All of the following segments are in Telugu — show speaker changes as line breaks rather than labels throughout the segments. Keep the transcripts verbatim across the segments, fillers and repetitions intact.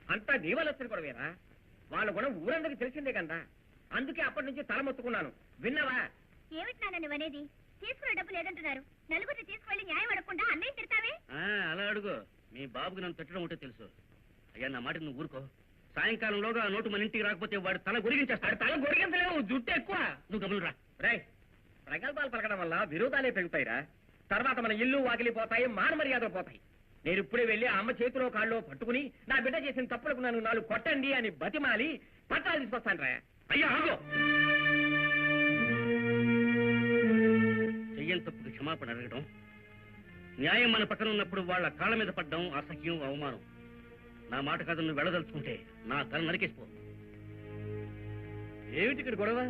అంతా నీ వల్ల వచ్చిన కూడా వేరా వాళ్ళ గుణం ఊరందరికి తెలిసిందే కదా అందుకే అప్పటి నుంచి తల మొత్తుకున్నాను విన్నావా
ఏమిటి నాన్న నువ్వనేది తీసుకునే డబ్బు లేదంటున్నారు నలుగురిని తీసుకువెళ్ళి న్యాయం అడగకుండా అన్నయ్య తిడతావే
అలా అడుగు మీ బాబుకి నన్ను తిట్టడం ఉంటే తెలుసు అయ్యా నా మాట నువ్వు ఊరుకో సాయంకాలంలోగా ఆ నోటు మన ఇంటికి రాకపోతే వాడు తల గొరిగించేస్తాడు
తల గొరిగించలేవు జుట్టు ఎక్కువ
నువ్వు గమలు రా
రై ప్రగల్భాలు పలకడం వల్ల విరోధాలే పెరుగుతాయిరా తర్వాత మన ఇల్లు వాకిలిపోతాయి మాన మర్యాదలు పోతాయి నేను ఇప్పుడే వెళ్ళి అమ్మ చేతిలో కాళ్ళలో పట్టుకుని నా బిడ్డ చేసిన తప్పులకు నన్ను నాలుగు కొట్టండి అని బతిమాలి పట్టాలు తీసుకొస్తాను రా
అయ్యా ఆగో చెయ్యని తప్పుకు క్షమాపణ అడగడం న్యాయం మన పక్కన ఉన్నప్పుడు వాళ్ళ కాళ్ళ మీద పడ్డం అసహ్యం అవమానం నా మాట కాదు నువ్వు వెళ్ళదలుచుకుంటే నా తల నరికేసిపో
ఏమిటి ఇక్కడ గొడవ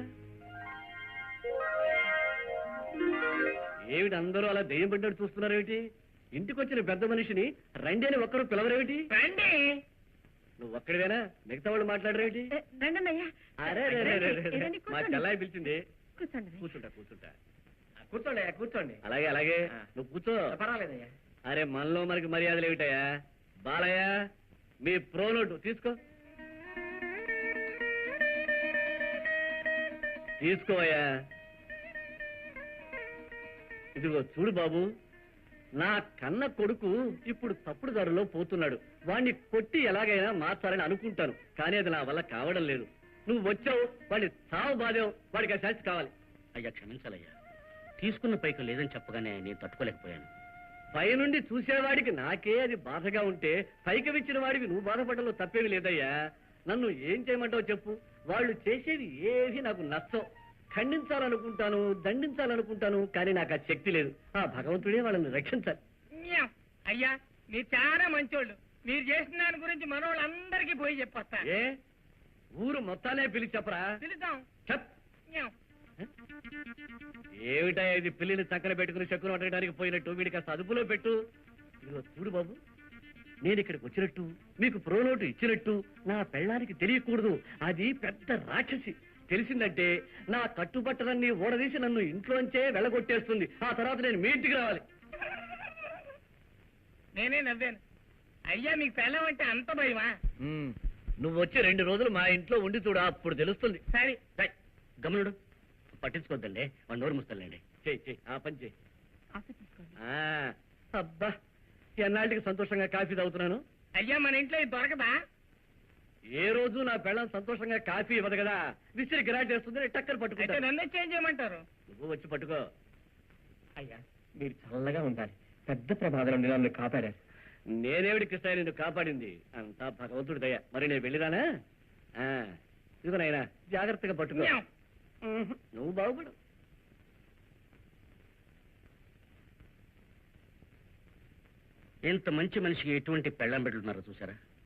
ఏమిటి అందరూ అలా దెయ్యం పడ్డాడు చూస్తున్నారేమిటి ఇంటికి వచ్చిన పెద్ద మనిషిని రండి అని ఒక్కరు పిలవరేమిటి
రండి
నువ్వు ఒక్కడివేనా మిగతా వాళ్ళు మాట్లాడరేమిటి అరే రే, రే, రే, రే, రే. మా చెల్లాయి పిలిచింది కూర్చుంటా కూర్చుంటా
కూర్చోండి అయ్యా కూర్చోండి
అలాగే అలాగే నువ్వు కూర్చో
పర్వాలేదయ్యా
అరే మనలో మనకి మర్యాదలు ఏమిటయ్యా బాలయ్య మీ ప్రో నోటు తీసుకో తీసుకోవయ్యా ఇదిగో చూడు బాబు నా కన్న కొడుకు ఇప్పుడు తప్పుడు దారిలో పోతున్నాడు వాణ్ణి కొట్టి ఎలాగైనా మార్చాలని అనుకుంటాను కానీ అది నా వల్ల కావడం లేదు నువ్వు వచ్చావు వాడిని సావు బాధావు వాడికి ఆ శాస్తి కావాలి
అయ్యా క్షమించాలయ్యా తీసుకున్న పైకి లేదని చెప్పగానే నేను తట్టుకోలేకపోయాను
పైనుండి చూసేవాడికి నాకే అది బాధగా ఉంటే పైకి విచ్చిన వాడికి నువ్వు బాధపడలో తప్పేమి లేదయ్యా నన్ను ఏం చేయమంటావు చెప్పు వాళ్ళు చేసేది ఏది నాకు నచ్చం ఖండించాలనుకుంటాను దండించాలనుకుంటాను కానీ నాకు ఆ శక్తి లేదు ఆ భగవంతుడే వాళ్ళని రక్షించాలి
అయ్యా మీరు చాలా మంచోళ్ళు మీరు చేసిన దాని గురించి మనోళ్ళందరికీ పోయి చెప్పొస్తా
ఏ ఊరు మొత్తానే పిలిచి చెప్పరా
పిలుద్దాం
చెప్ ఏమిటా ఇది పిల్లిని చక్కన పెట్టుకుని చెక్కును అడగడానికి పోయినట్టు వీడి కాస్త అదుపులో పెట్టు ఇదిగో చూడు బాబు నేను ఇక్కడికి వచ్చినట్టు మీకు ప్రోనోటు ఇచ్చినట్టు నా పెళ్ళానికి తెలియకూడదు అది పెద్ద రాక్షసి తెలిసిందంటే నా కట్టుబట్టలన్నీ ఓడదీసి నన్ను ఇంట్లోంచే వెళ్ళగొట్టేస్తుంది ఆ తర్వాత నేను మీ ఇంటికి రావాలి
నేనే నవ్వాను అయ్యా మీకు పెళ్ళం అంటే అంత భయమా
నువ్వు వచ్చి రెండు రోజులు మా ఇంట్లో ఉండి చూడు అప్పుడు తెలుస్తుంది
సరే
గమనుడు పట్టించుకోద్దండి వాడు నోరు ముస్తాలండి
చెయ్యి చెయ్యి ఆ పని చెయ్యి అబ్బా ఎన్నాళ్ళకి సంతోషంగా కాఫీ తాగుతున్నాను
అయ్యా మన ఇంట్లో ఇది దొరకదా
ఏ రోజు నా పెళ్ళం సంతోషంగా కాఫీ ఇవ్వదు కదా విసిరి గిరాట్ వేస్తుంది టక్కర్ పట్టుకుంటా
నన్నే చేంజ్ చేయమంటారు
నువ్వు వచ్చి పట్టుకో
అయ్యా మీరు చల్లగా ఉండాలి పెద్ద ప్రమాదం నుండి నన్ను కాపాడారు
నేనేవిడి కృష్ణ నిన్ను కాపాడింది అంతా భగవంతుడి దయ మరి నేను వెళ్ళిరానా ఇదిగో నాయనా జాగ్రత్తగా పట్టుకో నువ్వు బాగుపడు
ఇంత మంచి మనిషికి ఎటువంటి పెళ్ళం పెట్టున్నారో చూసారా